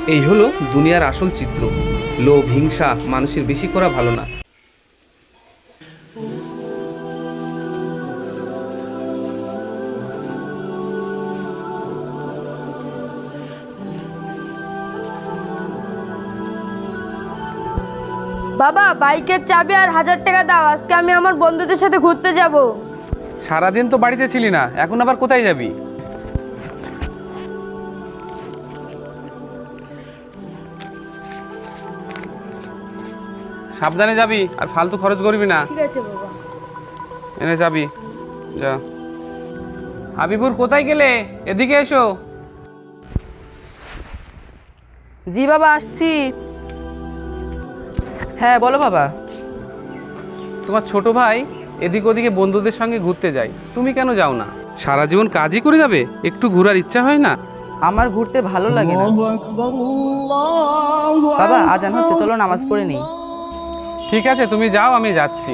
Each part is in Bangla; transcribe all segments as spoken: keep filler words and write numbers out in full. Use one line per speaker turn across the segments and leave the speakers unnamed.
এই হলো দুনিয়ার আসল চিত্র। লোভ, হিংসা মানুষের বেশি করা ভালো না।
বাবা, বাইকের চাবি আর হাজার টাকা দাও, আজকে আমি আমার বন্ধুদের সাথে ঘুরতে যাব।
সারাদিন তো বাড়িতে ছিলি না, এখন আবার কোথায় যাবি? সাবধানে যাবি আর ফালতু খরচ করবি না।
ঠিক আছে বাবা।
এনে যাবি, যা। হাবিবুর, কোথায় গেলে? এদিকে এসো।
জি বাবা, আসছি। হ্যাঁ বলো বাবা।
তোমার ছোট ভাই এদিক ওদিকে বন্ধুদের সঙ্গে ঘুরতে যায়, তুমি কেন যাও না? সারা জীবন কাজই করে যাবে, একটু ঘোরার ইচ্ছা হয় না?
আমার ঘুরতে ভালো লাগে না বাবা। আজান হচ্ছে, চলো নামাজ পড়ে নিই।
ঠিক আছে, তুমি যাও, আমি যাচ্ছি।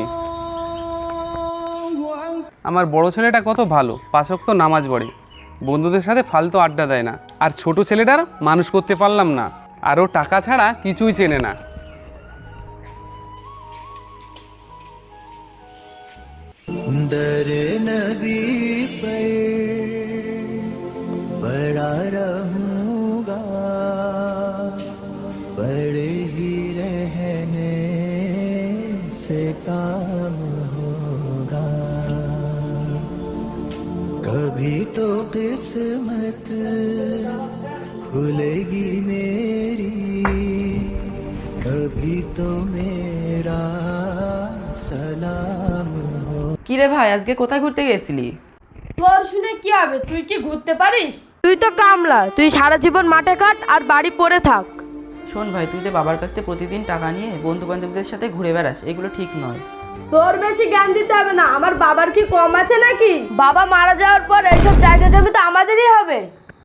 আমার বড় ছেলেটা কত ভালো, পাঁচ ওয়াক্ত নামাজ পড়ে, বন্ধুদের সাথে ফালতু আড্ডা দেয় না। আর ছোট ছেলেটার মানুষ করতে পারলাম না, আরও টাকা ছাড়া কিছুই চেনে না।
दर नबी पर बड़ा रहूंगा, बड़े ही रहने से काम होगा। कभी तो किस्मत खुलेगी मेरी, कभी तो मेरा सलाम।
কি রে ভাই, আজকে কোথায় ঘুরতে গেছিলি?
তোর শুনে কি হবে, তুই কি ঘুরতে পারিস? তুই তো কামলা, তুই সারা জীবন মাঠে কাট আর বাড়ি পড়ে থাক।
শোন ভাই, তুই যে বাবার কাছ থেকে প্রতিদিন টাকা নিয়ে বন্ধু বান্ধবদের সাথে ঘুরে বেড়াস, এগুলো ঠিক নয়।
তোর বেশি জ্ঞান দিতে হবে না, আমার বাবার কি কম আছে নাকি? বাবা মারা যাওয়ার পর এইসব জায়গা জমি তো আমাদেরই হবে।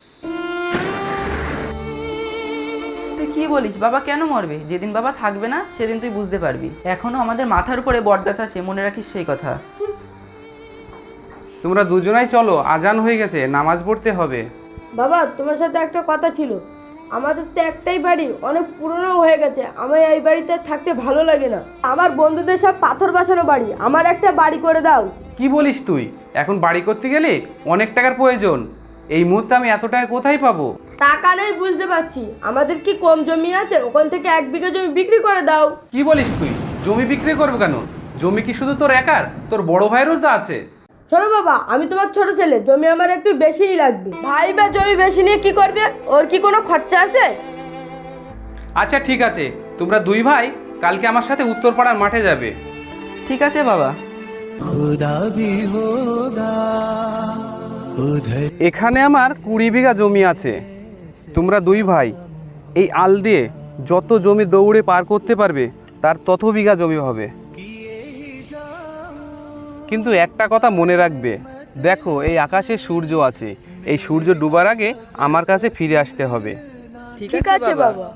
তুই কি বলিস? বাবা কেন মরবে? যেদিন বাবা থাকবে না সেদিন তুই বুঝতে পারবি। এখনো আমাদের মাথার উপরে বটগাছ আছে, মনে রাখিস সেই কথা।
তোমরা দুজনাই চলো, আজান হয়ে গেছে, নামাজ পড়তে হবে।
বাবা, তোমার সাথে একটা কথা ছিল। আমাদের তো একটাই বাড়ি, অনেক পুরনো হয়ে গেছে, আমার এই বাড়িতে থাকতে ভালো লাগে না। আমার বন্ধুদের সব পাথর বসানো বাড়ি, আমার একটা বাড়ি করে দাও।
কি বলিস তুই? এখন বাড়ি করতে গেলে অনেক টাকার প্রয়োজন, এই মুহূর্তে আমি এত টাকা কোথায় পাবো?
টাকা নেই বুঝতে পারছি, আমাদের কি কম জমি আছে? ওখান থেকে এক বিঘা জমি বিক্রি করে দাও।
কি বলিস তুই? জমি বিক্রি করবো কেন? জমি কি শুধু তোর একার? তোর বড় ভাইয়েরও তো আছে।
শোনো বাবা, আমি তোমার ছোট ছেলে, জমি আমার একটু বেশিই লাগবে। ভাই বা জমি বেশি নিয়ে কি করবে? ওর কি কোনো খরচা আছে?
আচ্ছা ঠিক আছে, তোমরা দুই ভাই কালকে আমার সাথে উত্তরপাড়ার মাঠে যাবে।
ঠিক আছে বাবা।
खुदा भी होगा उधर।
এখানে আমার কুড়ি বিঘা জমি আছে। তোমরা দুই ভাই এই আল দিয়ে যত জমি দৌড়ে পার করতে পারবে তার তত বিঘা জমি হবে। কিন্তু একটা কথা মনে রাখবে, দেখো এই আকাশে সূর্য আছে, এই সূর্য ডুবার আগে আমার কাছে ফিরে আসতে হবে।
ঠিক আছে বাবা।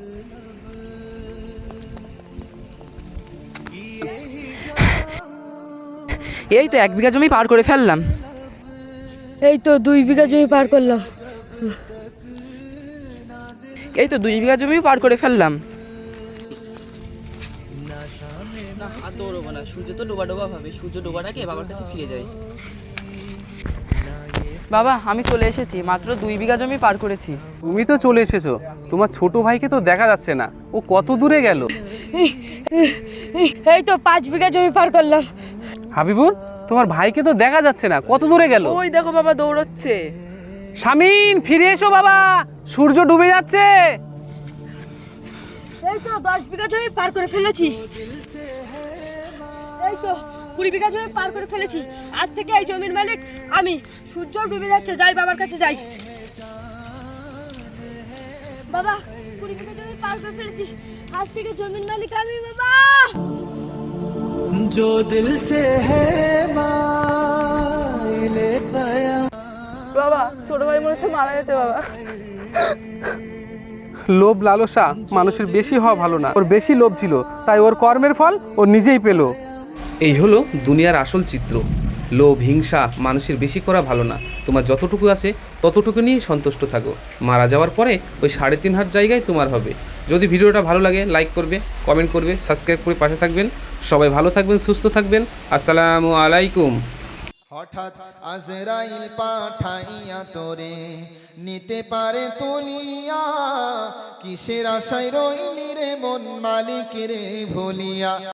এই তো এক বিঘা জমি পার করে ফেললাম।
এই তো দুই বিঘা জমি পার করলাম।
এই তো দুই বিঘা জমি পার করে ফেললাম। না, আর দৌড়বো না, সূর্য তো ডোবা ডোবা হবে, সূর্য ডোবার আগে বাবার কাছে ফিরে যাই। বাবা, আমি চলে এসেছি, মাত্র দুই বিঘা জমি পার করেছি।
তুমি তো চলে এসেছো, তোমার ছোট ভাইকে তো দেখা যাচ্ছে না, ও কত দূরে গেল?
এই তো পাঁচ বিঘা জমি পার করলাম।
হাবিবুর, তোমার ভাইকে তো দেখা যাচ্ছে না, কত দূরে গেল?
ওই দেখো বাবা দৌড়চ্ছে।
শামিন, ফিরে এসো বাবা, সূর্য ডুবে যাচ্ছে।
এই তো দশ বিঘা জমি পার করে ফেলেছি। এই তো কুড়ি বিঘা জমি পার করে ফেলেছি। আজ থেকে এই জমির মালিক আমি। সূর্য ডুবে যাচ্ছে, যাই বাবার কাছে যাই। বাবা, কুড়ি বিঘা জমি পার করে ফেলেছি, আজ থেকে জমির মালিক আমি। বাবা,
जो दिल से है माइले पया।
বাবা, ছোট ভাই মনে হচ্ছে মারা যেতে। বাবা,
লোভ লালসা মানুষের বেশি হওয়া ভালো না, ওর বেশি লোভ ছিল, তাই ওর কর্মের ফল ও নিজেই পেল। এই হলো দুনিয়ার আসল চিত্র। লোভ, হিংসা মানুষের বেশি করা ভালো না। তোমার যতটুকু আছে ততটুকু নিয়েই সন্তুষ্ট থাকো। মারা যাওয়ার পরে ওই সাড়ে তিন হাত জায়গায় তোমার হবে। যদি ভিডিওটা ভালো লাগে লাইক করবে, কমেন্ট করবে, সাবস্ক্রাইব করে পাশে থাকবেন। সবাই ভালো থাকবেন, সুস্থ থাকবেন। আসসালামু আলাইকুম।
হঠাৎ আজরাইল পাঠাইয়া তোরে নিতে পারে তুলিয়া, কিসের আশায় রইলি রে মন মালিক রে ভুলিয়া।